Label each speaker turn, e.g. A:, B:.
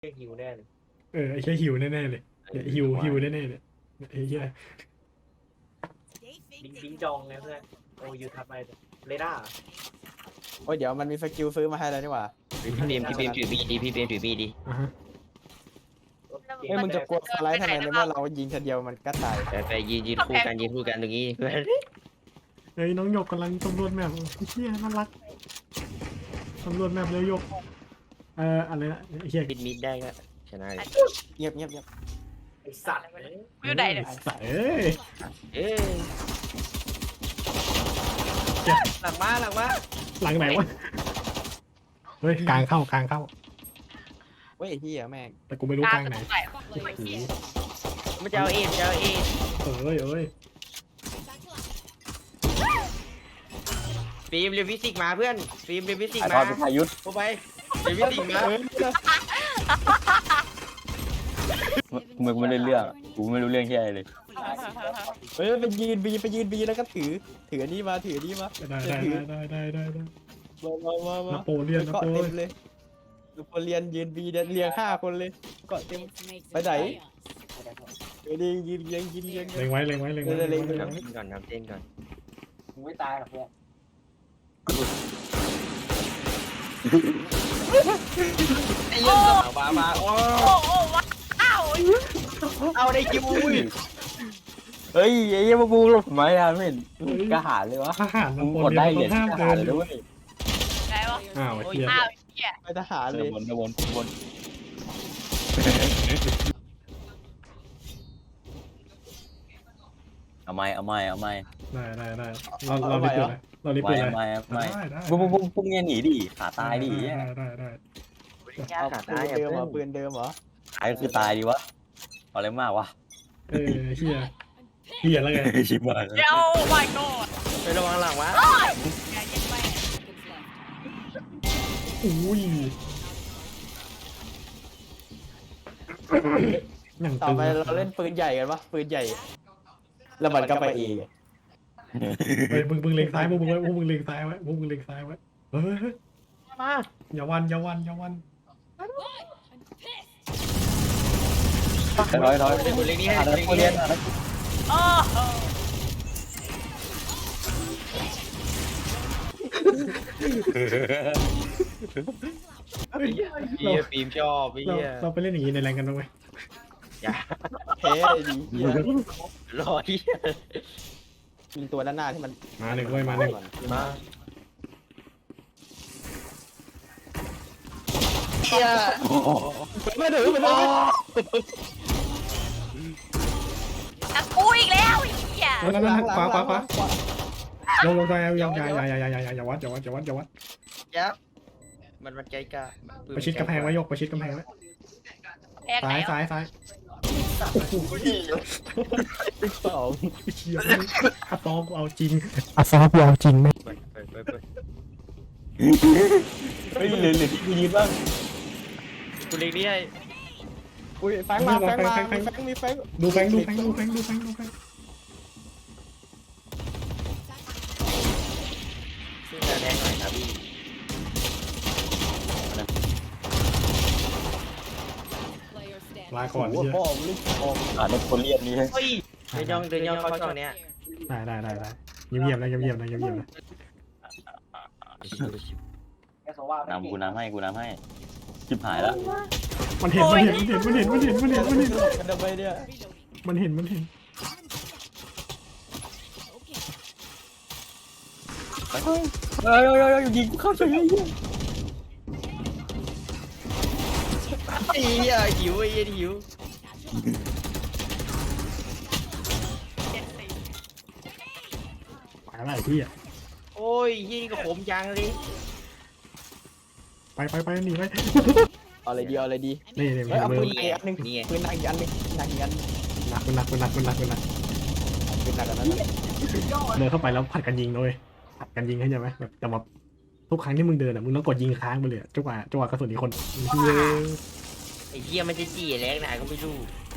A: เรียกฮิวแน่เลย
B: ไอ้แค่หิวแน่ๆเลยเนี่ยหิวแน่ๆเลยไอ้เหี้ย
A: บิงจองไงเพื่อนโอ้ยูทับไปเรดาร์
C: โอ้ยเดี๋ยวมันมีสกิลซื้อมาให้แล้วนี่หว่า
D: พี่เบมถือมีดดีพี่เบมถือมีดดี
B: อ่ะฮะ
C: เฮ้ยมึงจะกลัวสไลด์ทำไมในเมื่อเรายิงทีเดียวมันก็ตาย
D: ไปยืนคู่กันตรงนี้เพื่อน
B: เฮ้ยน้องหยกกำลังสำรวจแมพเหี้ยน่ารักสำรวจแมพแล้วหยกอะไรนะไอ้เหี้ย
D: ปิดมิดได้ก็ชนะเลย
C: เงียบเงียบเงียบ
A: ไอสัตว์
E: อยู่ไหนเนี่ย
B: สัตว์เอ้ย
D: เอ้ยหลังมา
B: หลังไหนวะเฮ้ยกลางเข้า
C: เว้ยไอ้เหี้ยแม่ง
B: แต่กูไม่รู้กลางไหน
D: มันจะเอาเอ็น
B: เอ้ย
D: ฟิล์มเรียนฟิสิกส์มาเพื่อนฟิล์มเรียนฟิสิกส์
C: ไอ้
D: มา
C: พอเป็นพายุทธ์
D: เข้าไปเรียนฟิสิกส์มา
F: กูไม่ได้เรื่องกูไม่รู้เรื่องที่อะไรเลย
C: เฮ้ยไปยืนบีแล้วก็ถืออันนี้มาถืออันนี้มา
B: ได้
C: มา
B: นาโปเลียน
C: เกาะเต็มเลยดูพอเรียนยืนบีเรียง5 คนเลยเกาะเต็มไปไหนเดี๋ยวดิยืนเรียง
B: เล็งไว้
D: ก่อนทำเต้นก่อน
A: มึงไม่ตายหรอกเพื่อน
D: ไอ้เรื่องมาโอ้
E: โอ้โอ้ว้าว
D: เอาได้คิว
F: เฮ้ยไอ้เหี้ยพวกกูหลบทำไมอ่ะไม่เห็นกระหายเลยวะ
B: ทหาร
F: มึ
B: นาง โป
F: กด
B: เลีย
F: ได้
B: น
F: เหรียญ
B: ห้าม
F: กระ
B: เดิ
F: หาย
B: น
F: เลยด้วย
E: ไงวะ
B: อ้าวเหี้ย
E: อ้าวเหี้ย
C: ไปทหารเลย
F: วนเอาไม่
B: ได้เรารีบเปิดเลยเรารีบเปิดเลย
F: ไม่
B: ได้
F: พวกเนี่ยหนีดิขาตายดิ
B: ได้
C: เอาปืนเดิมเหรอปืนเดิมเหรอ
F: ตายก็คือตายดิวะเอาอะไรมากวะ
B: เฮียแล้วไง
F: ชิบหาย
E: เดี๋ยว my god
D: ไประวังหลังวะ
E: อย่าเย็นไป
B: อุ้ยอย่าง
C: ต่อ
B: ตึง
C: ไปเราเล่นปืนใหญ่กันปะปืนใหญ่ แล้วมันก็ไปเอง
B: เฮ้ยมึงเล็งซ้ายพวกมึงเล็งซ้ายไว้เฮ้ยมาอย่าวัน
F: ร้อย
D: เป็นคนเล็กนี่ให้
F: นักเรียน
E: โอ้โห
D: เฮียฟิล์มชอบเฮีย
B: เราไปเล่นอย่างนี้ในแรงกันบ้างไหม
D: อย่า
C: เฮ้ยดีเหี้ย
D: รอเฮีย
C: ยิงตัวด้านหน้าที่มัน
B: มาหนึ่งเว้ยมาหนึ่ง
D: มา
C: เหี้ยไม่ถือมันเลย
E: ตะกูอีกแล้วไอ้เหี้ย
B: นั่นขวาลงใจอย่าวัด
D: ยับมันใจกล้า
B: ประชิดกำแพงไว้ยกประชิดกำแพงไว้
E: แพ้ไหน
B: ซ้าย
C: สอง
B: เชี่ยอาซอกูเอาจริงอาซอกูเอาจริงไหม
D: ไป
F: เฮ้ยเหลือที่กูยืนบ้าง
D: กูเล็กนี่ให้
C: อุ้ยแฟงมามีแฟง
B: ดูแฟง
D: ซึ่งจะแรงหน่อยครับพี่
B: ลาก่อน
C: หัว
B: เชี่ย
C: พ่อลูกพ่อ
F: นักเรียนนี่
D: เฮ้ยเดินย่องเข้าช่องเนี้ย
B: ได้เงียบนะ
A: แกสว่า
F: กูน้ำให้ชิบหายแล้ว
B: มันเห็น
C: กันทำไมเนี่ย
B: มันเห็น
F: เฮ้ยยิงกูเข้าเฉยเลย
D: ไอ้เหี้ยหิวไอ้เหี้ยหิว
B: ไปอะไรพี่อ่ะ
D: โอ้ยยี่ก็ขมจังเลย
B: ไปหนีไป
C: เอาอะไรดี
B: นี่
C: เฮ้ยเอา
B: มื
C: ปื
B: อน
C: อีกอันนึงปืนหนักอีกอันนึงหนัก
B: หนัก
C: ปืนหนักอันนั้น
B: เดินเข้าไปแล้วผัดกันยิงเลยผัดกันยิงเข้าใจไหมแบบแต่แบบทุกครั้งที่มึงเดินอ่ะมึงต้องกดยิงค้างไปเลยจังหวะกระสุนอีกคน
D: ไอ้เหี้ยมันจะจี้แรงไหนก็ไม่รู้